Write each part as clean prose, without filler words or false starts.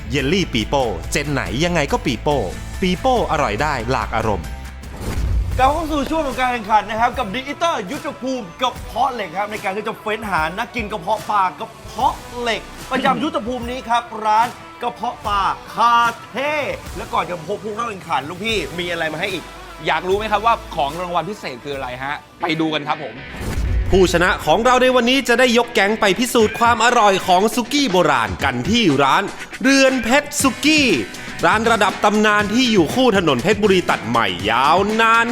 เยลลี่ปีโป้เจนไหนยังไงก็ปีโป้ปีโป้อร่อยได้หลากอารมณ์กลับเข้าสู่ช่วงของการแข่งขันนะครับกับดิจิตอลยุทธภูมิกระเพาะเหล็กครับในการที่จะเฟ้นหานักกินกระเพาะปลากระเพาะเหล็ก ประจำยุทธภูมินี้ครับร้านกระเพาะปลาคาเท่และก่อนจะพบผู้เข้าแข่งขันลูกพี่มีอะไรมาให้อีกอยากรู้ไหมครับว่าของรางวัลพิเศษคืออะไรฮะไปดูกันครับผมผู้ชนะของเราในวันนี้จะได้ยกแก๊งไปพิสูจน์ความอร่อยของสุกี้โบราณกันที่ร้านเรือนเพชรสุกี้ร้านระดับตำนานที่อยู่คู่ถนนเพชรบุรีตัดใหม่ยาวนาน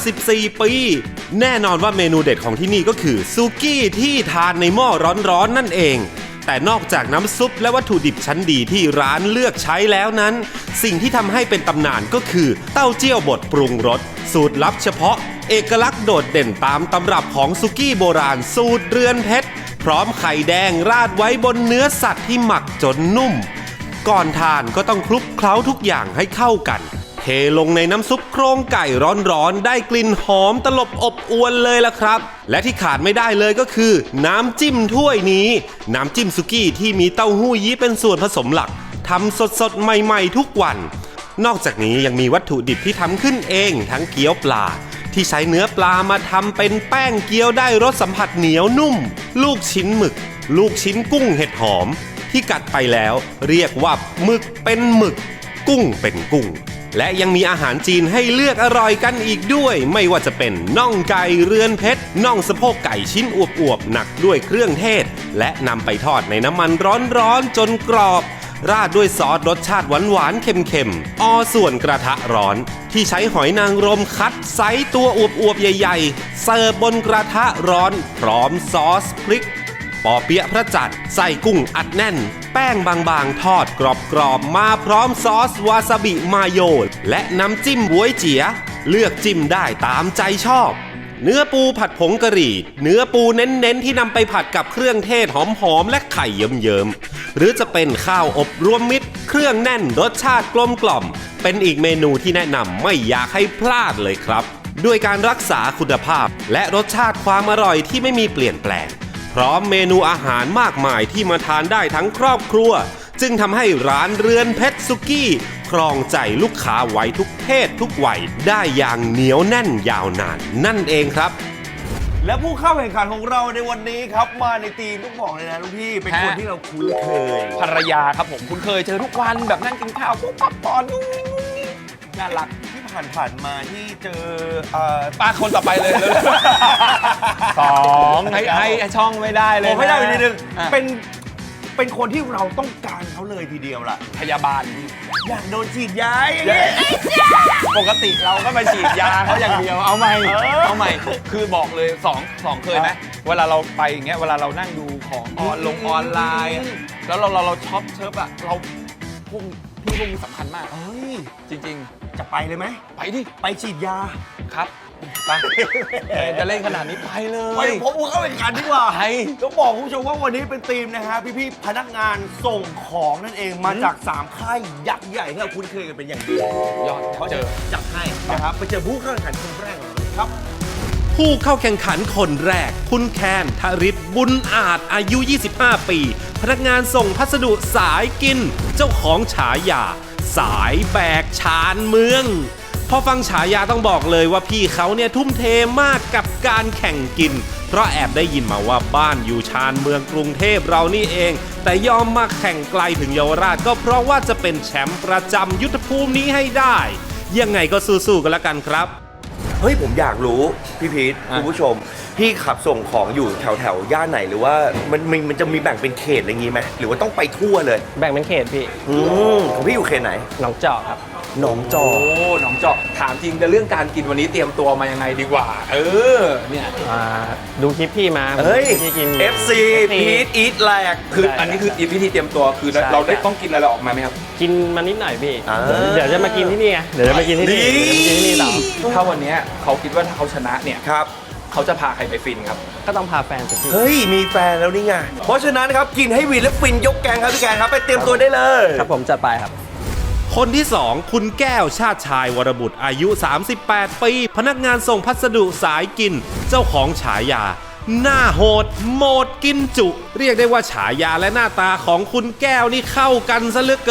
54 ปีแน่นอนว่าเมนูเด็ดของที่นี่ก็คือสุกี้ที่ทานในหม้อร้อนๆนั่นเองแต่นอกจากน้ำซุปและวัตถุดิบชั้นดีที่ร้านเลือกใช้แล้วนั้นสิ่งที่ทำให้เป็นตำนานก็คือเต้าเจี้ยวบดปรุงรสสูตรลับเฉพาะเอกลักษณ์โดดเด่นตามตำรับของสุกี้โบราณสูตรเรือนเพชรพร้อมไข่แดงราดไว้บนเนื้อสัตว์ที่หมักจนนุ่มก่อนทานก็ต้องคลุกเคล้าทุกอย่างให้เข้ากันเทลงในน้ำซุปโครงไก่ร้อนๆได้กลิ่นหอมตลบอบอวนเลยล่ะครับและที่ขาดไม่ได้เลยก็คือน้ำจิ้มถ้วยนี้น้ำจิ้มสุกี้ที่มีเต้าหู้ยี้เป็นส่วนผสมหลักทำสดๆใหม่ๆทุกวันนอกจากนี้ยังมีวัตถุดิบที่ทำขึ้นเองทั้งเกี๊ยวปลาที่ใช้เนื้อปลามาทำเป็นแป้งเกี๊ยวได้รสสัมผัสเหนียวนุ่มลูกชิ้นหมึกลูกชิ้นกุ้งเห็ดหอมที่กัดไปแล้วเรียกว่าหมึกเป็นหมึกกุ้งเป็นกุ้งและยังมีอาหารจีนให้เลือกอร่อยกันอีกด้วยไม่ว่าจะเป็นน่องไก่เรือนเพชรน่องสะโพกไก่ชิ้นอวบๆหนักด้วยเครื่องเทศและนำไปทอดในน้ำมันร้อนๆจนกรอบราดด้วยซอสรสชาติหวานๆเค็มๆส่วนกระทะร้อนที่ใช้หอยนางรมคัดไซส์ตัวอวบๆใหญ่ๆเสิร์ฟบนกระทะร้อนพร้อมซอสพริกปอเปี๊ยะพระจันทร์ใส่กุ้งอัดแน่นแป้งบางๆทอดกรอบๆมาพร้อมซอสวาซาบิมาโยและน้ำจิ้มบ๊วยเจี๋ยเลือกจิ้มได้ตามใจชอบเนื้อปูผัดผงกะหรี่เนื้อปูเน้นๆที่นำไปผัดกับเครื่องเทศหอมๆและไข่เยิ้มๆหรือจะเป็นข้าวอบรวมมิตรเครื่องแน่นรสชาติกลมกล่อมเป็นอีกเมนูที่แนะนำไม่อยากให้พลาดเลยครับด้วยการรักษาคุณภาพและรสชาติความอร่อยที่ไม่มีเปลี่ยนแปลงพร้อมเมนูอาหารมากมายที่มาทานได้ทั้งครอบครัวจึงทำให้ร้านเรือนเพชรสุกี้ครองใจลูกค้าไว้ทุกเพศทุกวัยได้อย่างเหนียวแน่นยาวนานนั่นเองครับและผู้เข้าแข่งขันของเราในวันนี้ครับมาในทีมต้องบอกเลยนะลูกพี่เป็นคนที่เราคุ้นเคยภรรยาครับผมคุ้นเคยเจอทุกวันแบบนั่งกินข้าวปุ๊บปั๊บปอนน่ารักที่ผ่านมาที่เจอป้าคนต่อไปเลยสองให้ช่องไม่ได้เลยผมไม่ได้อีกนิดนึงเป็นคนที่เราต้องการเขาเลยทีเดียวล่ะพยาบาลอยากโดนฉีดยาปกติเราก็ไปฉีดยาเขาอย่างเดียวเอาใหม่คือบอกเลยสองเคยไหมเวลาเราไปอย่างเงี้ยเวลาเรานั่งดูของออนไลน์แล้วเราช็อปเชิร์ฟอะเราพวกนี้สำคัญมากจริงจะไปเลยไหมไปดิไปฉีดยาครับไปจะเล่นขนาดนี้ไปเลยไปผมเข้าแข่งขันดีกว่าต้องบอกคุณผู้ชมว่าวันนี้เป็นทีมนะฮะพี่ๆพนักงานส่งของนั่นเองมาจาก3ค่ายยักษ์ใหญ่ที่เราคุ้นเคยกันเป็นอย่างดียอดเขาจะจับให้นะครับไปเจอผู้เข้าแข่งขันคนแรกครับผู้เข้าแข่งขันคนแรกคุณแคนทริศบุญอาจอายุ25 ปีพนักงานส่งพัสดุสายกินเจ้าของฉายาสายแบกชานเมืองพอฟังฉายาต้องบอกเลยว่าพี่เขาเนี่ยทุ่มเทมากกับการแข่งกินเพราะแอบได้ยินมาว่าบ้านอยู่ชานเมืองกรุงเทพเรานี่เองแต่ยอมมาแข่งไกลถึงเยาวราชก็เพราะว่าจะเป็นแชมป์ประจำยุทธภูมินี้ให้ได้ยังไงก็สู้ๆกันแล้วกันครับเฮ้ยผมอยากรู้พี่พีทคุณผู้ชมพี่ขับส่งของอยู่แถวย่านไหนหรือว่ามันจะมีแบ่งเป็นเขตอะไรงี้ไหมหรือว่าต้องไปทั่วเลยแบ่งเป็นเขตพี่ของพี่อยู่เขตไหนหนองจอกครับหนองจอกหนองจอกถามจริงแต่เรื่องการกินวันนี้เตรียมตัวมายังไงดีกว่าเนี่ยดูคลิปพี่มาพี่กิน FC พีทอีทแลกคืออันนี้คือวิธีเตรียมตัวคือเราได้ต้องกินอะไรออกมาไหมครับกินมานิดหน่อยพี่เดี๋ยวจะมากินที่นี่ไงเดี๋ยวจะมากินที่นี่ต่อถ้าวันนี้เขาคิดว่าถ้าเขาชนะเนี่ยครับเขาจะพาใครไปฟินครับก็ต้องพาแฟนไปฟินเฮ้ยมีแฟนแล้วนี่ไงเพราะฉะนั้นครับกินให้วินและฟินยกแกงครับพี่แกงครับไปเตรียมตัวได้เลยครับผมจัดไปครับคนที่2คุณแก้วชาติชายวรบุตรอายุ38 ปีพนักงานส่งพัสดุสายกินเจ้าของฉายาหน้าโหดโหมดกินจุเรียกได้ว่าฉายาและหน้าตาของคุณแก้วนี่เข้ากันซะเหลือเกิน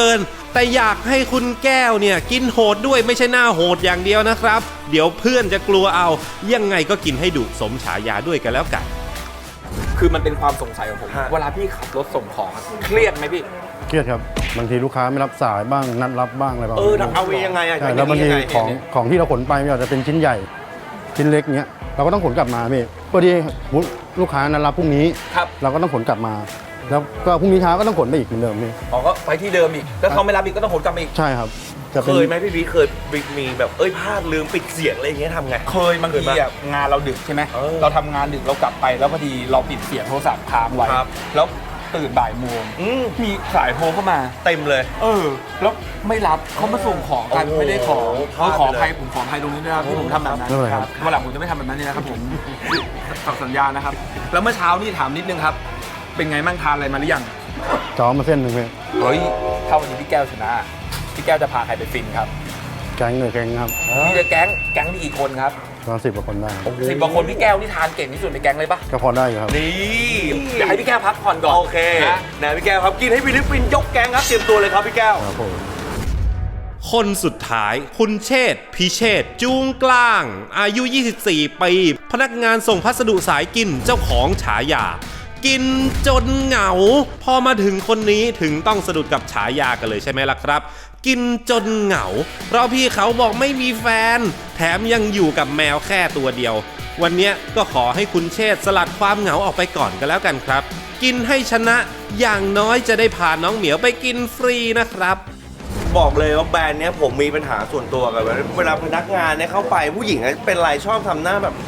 แต่อยากให้คุณแก้วเนี่ยกินโหดด้วยไม่ใช่หน้าโหดอย่างเดียวนะครับเดี๋ยวเพื่อนจะกลัวเอายังไงก็กินให้ดุสมฉายาด้วยกันแล้วกันคือมันเป็นความสงสัยของผมฮะเวลาพี่ขับรถส่งของอะเครียดไหมพี่เครียดครับบางทีลูกค้าไม่รับสายบ้างนัดรับบ้างอะไรบ้างเอาวียังไงอะใช่แล้วบางทียังไงของที่เราขนไปไม่ว่าจะเป็นชิ้นใหญ่ ชิ้นเล็กเงี้ยเราก็ต้องขนกลับมาพี่เพื่อที่ลูกค้านัดรับพรุ่งนี้ครับเราก็ต้องขนกลับมา แล้วก็พรุ่งนี้เช้าก็ต้องขนไปอีกเหมือนเดิมพี่อ๋อก็ไปที่เดิมอีกแล้วเขาไม่รับอีกก็ต้องขนกลับมาอีกใช่ครับจะเคเป็นยไหมพี่บีเคยมีแบบพลาดลืมปิดเสียงอะไรอย่างเงี้ยทำไงเคยบางทีอะงานเราดึกใช่ไหมเออเราทำงานดึกเรากลับไปแล้วพอดีเราปิดเสียงโทรศัพท์ค้างไว้ครับแล้วตื่นบ่ายโมงมีสายโทรเข้ามาเต็มเลยแล้วไม่รับเขามาส่งของกันโอ้โหไม่ได้ของพลาดขอไปเลยอภัยผมขออภัยตรงนี้ด้วยนะครับที่ผมทำแบบนั้นไม่เป็นไรครับวันหลังผมจะไม่ทำแบบนั้นนี่นะครับผมฝากสัญญานะครับ แล้วเมื่อเช้านี่ถามนิดนึงครับ เป็นไงมั่งทานอะไรมาหรือยังจอมาเส้นหนึ่งพี่เฮ้ยถ้าวันนี้พี่แก้วชนะพี่แก้วจะพาใครไปฟินครับแก๊งเลยแก๊งครับพี่จะแก๊งนี่กี่คนครับประมาณ10 กว่าคนได้ 10 กว่าคนพี่แก้วนี่ทานเก่งที่สุดในแก๊งเลยปะก็พอได้อยู่ครับนี่อยากให้พี่แก้วพักผ่อนก่อนโอเคนะนะพี่แก้วครับกินให้ฟิลิปปินส์ยกแกงครับเตรียมตัวเลยครับพี่แก้วครับผมคนสุดท้ายคุณเชษฐ์พิเชษฐ์จูงกลาง อายุ 24 ปี พนักงานส่งพัสดุสายกินเจ้าของฉายา กินจนเหงา พอมาถึงคนนี้ถึงต้องสะดุดกับฉายากันเลยใช่ไหมล่ะครับ กินจนเหงา เพราะพี่เขาบอกไม่มีแฟน แถมยังอยู่กับแมวแค่ตัวเดียว วันเนี้ยก็ขอให้คุณเชษฐ์สลัดความเหงาออกไปก่อนกันแล้วกันครับ กินให้ชนะอย่างน้อยจะได้พาน้องเหมียวไปกินฟรีนะครับบอกเลยว่าแบรนด์เนี้ยผมมีปัญหาส่วนตัวกับเวลาพนักงานเนี่ยเข้าไปผู้หญิงเป็นไรชอบทำหน้าแบบ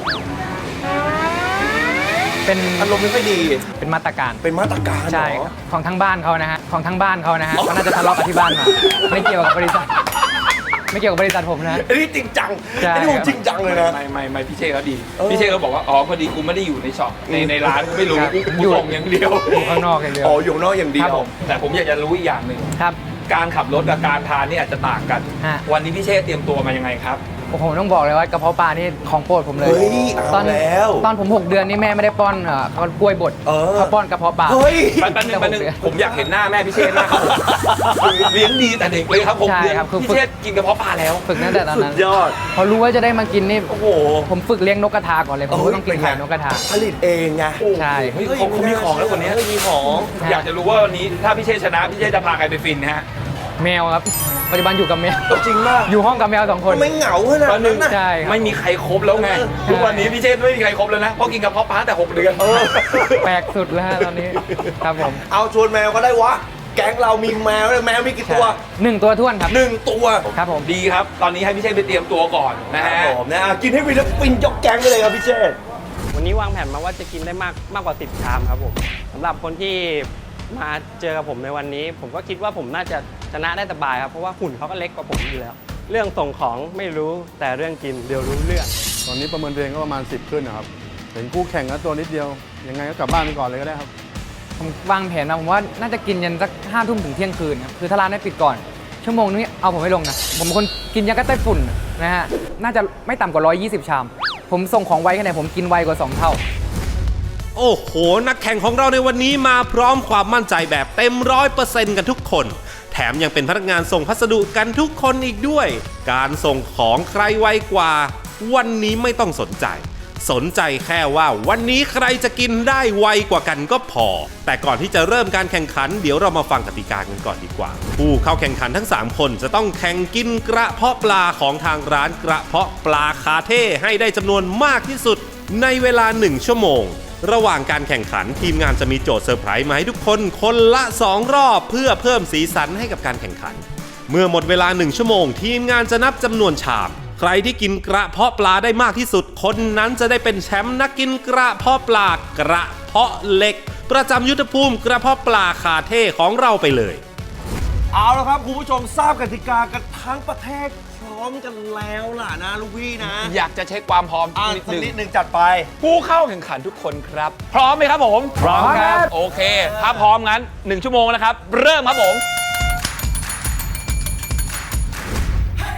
เป็นอารมณ์ไม่ค่อยดีเป็นมาตรการเป็นมาตรการใช่เหรอของทั้งบ้านเขานะฮะของทั้งบ้านเขานะฮะเขาน่าจะทะเลาะกับที่บ้านมาไม่เกี่ยวกับบริษัท ไม่เกี่ยวกับบริษัทผมนะอันนี้จริงจังใช่อันนี้ผมจริงจังเลยนะไม่พี่เชษเขาดีพี่เชษเขาบอกว่าอ๋อพอดีกูไม่ได้อยู่ในช็อปในร้านไม่รู้ครับกูส่งอย่างเดียวอยู่ข้างนอกอย่างเดียวอ๋ออยู่ข้างนอกอย่างเดีคยรับวผมแต่ผมอยากจะรู้อีกอย่างหนึ่งครับการขับรถกับการทานนี่อาจจะต่างกันฮะวันนี้พี่เชษเตรียมตัวมายังไงครับผมต้องบอกเลยว่ากระเพาะปลานี่ของโปรดผมเลยเฮ้ยเอาตอนแล้วตอนผม 6 เดือนนี่แม่ไม่ได้ป้อนเขากล้วยบดเออเขาป้อนกระเพาะปลาเฮ้ยแป๊บนึงผมอยากเห็นหน้าแม่พี่เชษมากครับผมเลี้ยงดีแต่เด็กเลยครับผมใช่ครับคือพี่เชษกินกระเพาะปลาแล้วฝึกตั้งแต่ตอนสุนั้นดยอดพอรู้ว่าจะได้มากินนี่โอ้โหผมฝึกเลี้ยงนกกระทาก่อนเลยผมก็ต้องกินไข่นกกระทาผลิตเองไงใช่เฮ้ยเขามีของแล้วคนนี้มีของอยากจะรู้ว่าวันนี้ถ้าพี่เชษชนะพี่เชษจะพาใครไปฟินนะฮะแมวครับปัจจุบันอยู่กับแมวจริงมากอยู่ห้องกับแมว2 คนไม่เหงาขนาดนั้นนะใช่ครับไม่มีใครครบแล้วไงทุกวันนี้พี่เชษไม่มีใครครบแล้วนะเพราะกินกระเพาะปลาแต่6 เดือนแปลกสุดแล้วฮะตอนนี้ครับผมเอาชวนแมวก็ได้วะ แก๊งเรามีแมวเลยแมวมีกี่ตัว 1 ตัวท้วนครับ 1 ตัวครับผมดีครับ ตอนนี้ให้พี่เชษไปเตรียมตัวก่อนนะครัฮะบผมนะกินให้ฟิลิปปินส์ยกแก๊งไปเลยครับพี่เชษวันนี้วางแผนมาว่าจะกินได้มากกว่า 10 ชามครับผมสำหรับคนที่มาเจอกับผมในวันนี้ ผมก็คิดว่าผมน่าจะชนะได้สบายครับเพราะว่าหุ่นเขาก็เล็กกว่าผมอยู่แล้ว เรื่องส่งของไม่รู้แต่เรื่องกินเดี๋ยวรู้เรื่องตอนนี้ประเมินตัวเองก็ประมาณ 10 ขึ้นนะครับเห็นคู่แข่งแล้วตัวนิดเดียวยังไงก็กลับบ้านไปก่อนเลยก็ได้ครับผมวางแผนมาผมว่าน่าจะกินยันสัก5 ทุ่มถึงเที่ยงคืนครับคือถ้าร้านได้ปิดก่อน ชั่วโมงนึงเอาผมไม่ลงนะผมเป็นคนกินยังก็ไต้ฝุ่นนะฮะน่าจะไม่ต่ำกว่า120 ชาม ผมส่งของไวแค่ไหนผมกินไวกว่า 2 เท่าโอ้โห นักแข่งของเราในวันนี้มาพร้อมความมั่นใจแบบเต็ม100%กันทุกคน แถมยังเป็นพนักงานส่งพัสดุกันทุกคนอีกด้วย การส่งของใครไวกว่า วันนี้ไม่ต้องสนใจ สนใจแค่ว่าวันนี้ใครจะกินได้ไวกว่ากันก็พอ แต่ก่อนที่จะเริ่มการแข่งขันเดี๋ยวเรามาฟังกติกากันก่อนดีกว่า ผู้เข้าแข่งขันทั้ง 3 คนจะต้องแข่งกินกระเพาะปลาของทางร้านกระเพาะปลาคาเท่ให้ได้จำนวนมากที่สุดในเวลา 1 ชั่วโมง ระหว่างการแข่งขันทีมงานจะมีโจทย์เซอร์ไพรส์มาให้ทุกคนคนละ 2 รอบเพื่อเพิ่มสีสันให้กับการแข่งขัน เมื่อหมดเวลา 1 ชั่วโมง ทีมงานจะนับจำนวนชาม ใครที่กินกระเพาะปลาได้มากที่สุด คนนั้นจะได้เป็นแชมป์นักกินกระเพาะปลากระเพาะเหล็ก ประจำยุทธภูมิกระเพาะปลาคาเท่ของเราไปเลยเอาละครับคุณผู้ชมทราบกติกากันทั้งประเทศพร้อมกันแล้วล่ะนะลูกพี่นะอยากจะเช็คความพร้อมสักนิดนึงจัดไปผู้เข้าแข่งขันทุกคนครับ พร้อมไหมครับผมพร้อมครับโอเค ถ้าพร้อมงั้น 1 ชั่วโมงนะครับ เริ่มครับผม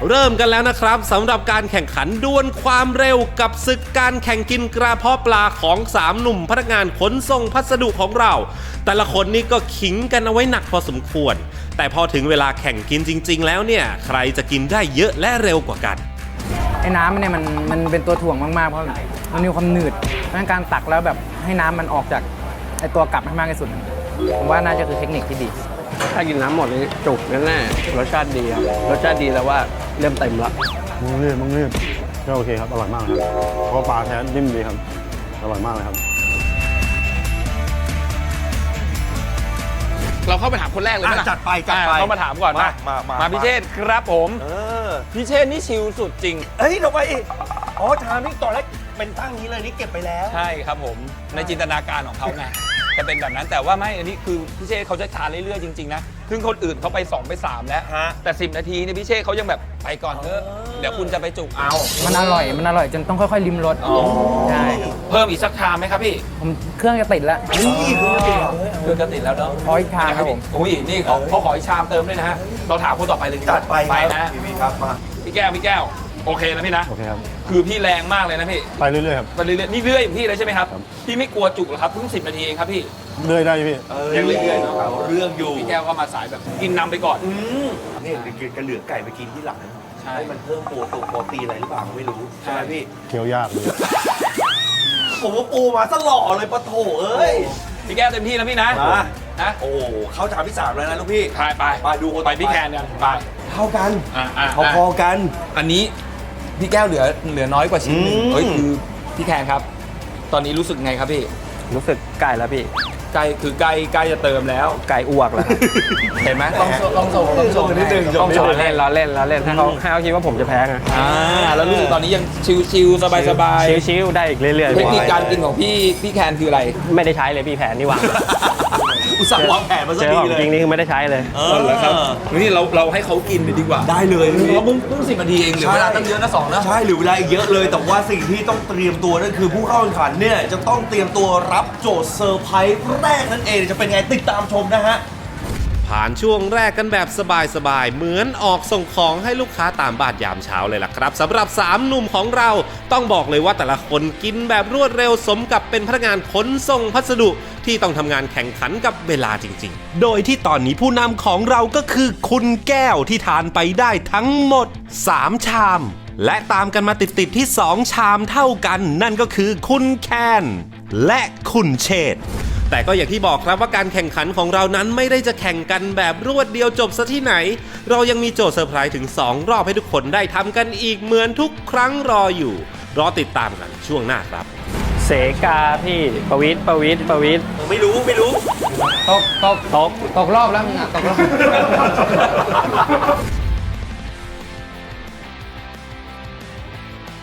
เริ่มกันแล้วนะครับสำหรับการแข่งขันดวลความเร็วกับศึกการแข่งกินกระเพาะปลาของ3หนุ่มพนักงานขนส่งพัสดุของเรา แต่ละคนนี่ก็ขิงกันเอาไว้หนักพอสมควร แต่พอถึงเวลาแข่งกินจริงๆแล้วเนี่ยใครจะกินได้เยอะและเร็วกว่ากันไอ้น้ำเนี่ยมันเป็นตัวถ่วงมากๆเพราะมันมีความหนืดดังการตักแล้วแบบให้น้ำมันออกจากไอ้ตัวกลับให้มากที่สุดผมว่าน่าจะคือเทคนิคที่ดีถ้ากินน้ำหมดนี่จุกแน่ๆรสชาติดีครับรสชาติดีแล้วว่าเริ่มเต็มแล้วมึงรีบก็โอเคครับอร่อยมากครับเพราะปลาแท้นิ่มดีครับอร่อยมากเลยครับเราเข้าไปถามคนแรกเลยไหมล่ะจัดไปเขามาถามก่อนนะมาพิเชษครับผมเออพิเชษนี่ชิลสุดจริงเฮ้ยทำไมอ๋อชามนี่ตอนแรกเป็นตั้งนี้เลยนี่เก็บไปแล้วใช่ครับผมในจินตนาการของเขาไงจะเป็นแบบนั้นแต่ว่าไม่อันนี้คือพิเชษเขาจะทานเรื่อยๆจริงๆนะซึ่งคนอื่นเขาไป2ไป3แล้วฮะแต่10 นาทีเนี่ยพิเชษเขายังแบบไปก่อนเถอะเดี๋ยวคุณจะไปจุกเอามันอร่อยจนต้องค่อยๆริมรสใช่ครับเพิ่มอีกสักชามไหมครับพี่ผมเครื่องจะติดแล้วนี่คือเดียวเพื่อนก็ติดแล้วเนาะขออีกชามครับผมอุ้ยนี่เขาขออีกชามเติมด้วยนะฮะเราถามคนต่อไปเลยดีกว่าจัดไปไปครันะพี่ครับมาพี่แก้วโอเคนะพี่นะโอเคครับคือพี่แรงมากเลยนะพี่ไปเรื่อยๆครับไปเรื่อยๆนี่เรื่อยอย่างพี่เลยใช่ไหมครับครับพี่ไม่กลัวจุกเหรอครับเพิ่ง10 นาทีเองครับพี่เรื่อยได้พี่ยังเรื่อยๆเนาะเอาเรื่องอยู่พี่แก้วก็มาสายแบบกินนำไปก่อนนี่กระเหลือไก่ไปกินที่หลังใช่ให้มันเพิ่มโปรตีนอะไรหรือเปล่าไม่รู้ใช่ไหมพี่เคี้ยวยากเลยผมว่าปูมาซะหล่อเลยปะโถเอ้ยพี่แก้วเต็มที่นะพี่นะมานะโอ้โหเข้าชามที่3แล้วนะลูกพี่ไปดูคนไปพี่แคนกันไปเท่ากันอ่ะพอๆกันอันนี้พี่แก้วเหลือน้อยกว่าชิ้นหนึงอืมเฮ้ยคือพี่แคนครับ ตอนนี้รู้สึกไงครับพี่รู้สึกใกล้แล้วพี่ใกล้จะเติมแล้วไก่อ้วกแล้วเห็นไหมต้องส่งนิดนึงต้องโชว์เราเล่นให้เขาคิดว่าผมจะแพ้ไงแล้วรู้สึกตอนนี้ยังชิลๆสบายชิวๆได้อีกเรื่อยๆๆเทคนิคการกินของพี่แคนคืออะไรไม่ได้ใช้เลยพี่แผนนี่วางอุตส่าห์วางแผนมาซะเจอดีของเลยจริงนี่คือไม่ได้ใช้เลยเหรอครับนี่เราให้เขากินไปดีกว่าได้เลยพี่เราเพิ่ง10 นาทีเองเหลือเวลาตั้งเยอะนะ2นะใช่หรือเวลาอีกเยอะเลย แต่ว่าสิ่งที่ต้องเตรียมตัวนั่นคือผู้เข้าแข่งขันเนี่ยจะต้องเตรียมตัวรับโจทย์เซอร์ไพรส์แรกนั่นเองจะเป็นไงติดตามชมนะฮะผ่านช่วงแรกกันแบบสบายๆ เหมือนออกส่งของให้ลูกค้าตามบ้านยามเช้าเลยล่ะครับสำหรับ3หนุ่มของเราต้องบอกเลยว่าแต่ละคนกินแบบรวดเร็วสมกับเป็นพนักงานขนส่งพัสดุที่ต้องทำงานแข่งขันกับเวลาจริงๆ โดยที่ตอนนี้ผู้นำของเราก็คือคุณแก้วที่ทานไปได้ทั้งหมด3ชาม และตามกันมาติดๆที่2ชามเท่ากันนั่นก็คือคุณแคนและคุณเชษฐ์แต่ก็อย่างที่บอกครับว่าการแข่งขันของเรานั้นไม่ได้จะแข่งกันแบบรวดเดียวจบซะที่ไหน เรายังมีโจทย์เซอร์ไพรส์ถึง2รอบให้ทุกคนได้ทำกันอีกเหมือนทุกครั้งรออยู่รอติดตามกันช่วงหน้าครับเสกาพี่ประวิทย์ไม่รู้ตกรอบแล้วมึงอ่ะตกรอบ